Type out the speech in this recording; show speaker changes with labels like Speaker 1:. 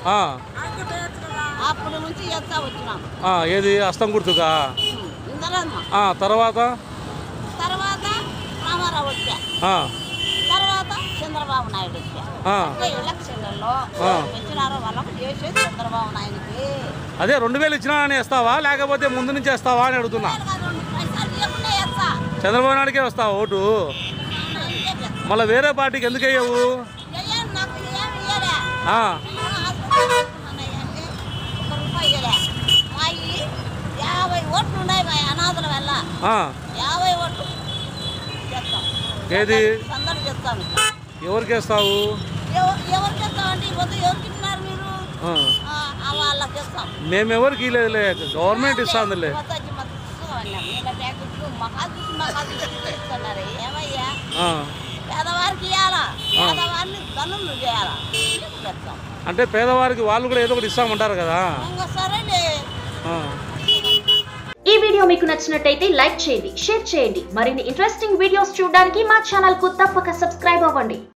Speaker 1: అప్పుడు నుంచి ఎత్తా వచ్చినాం.
Speaker 2: ఏది హస్తం గుర్తుగా? తర్వాత
Speaker 1: రామారావు వచ్చా, తర్వాత చంద్రబాబు నాయుడు వచ్చా. ఎలక్షన్లలో ఇచ్చినారో వాళ్ళకు చేసేది చంద్రబాబు నాయుడికి.
Speaker 2: అదే 2000 ఇచ్చినా అని వేస్తావా లేకపోతే ముందు నుంచి వేస్తావా అని అడుగుతున్నా. చంద్రబాబు నాయుడికే వస్తావా ఓటు? మళ్ళీ వేరే పార్టీకి ఎందుకు వేయవు? ఏది ఎవరికి వేస్తావు? మేము ఎవరికి ఇవ్వలేదులే, గవర్నమెంట్ ఇస్తుందిలే. అంటే పేదవారికి వాళ్ళు కూడా ఏదో ఒకటి ఇస్తామంటారు కదా.
Speaker 3: ఈ వీడియో మీకు నచ్చినట్టయితే లైక్ చేయండి, షేర్ చేయండి. మరిన్ని ఇంట్రెస్టింగ్ వీడియోస్ చూడడానికి మా ఛానల్ కు తప్పక సబ్స్క్రైబ్ అవ్వండి.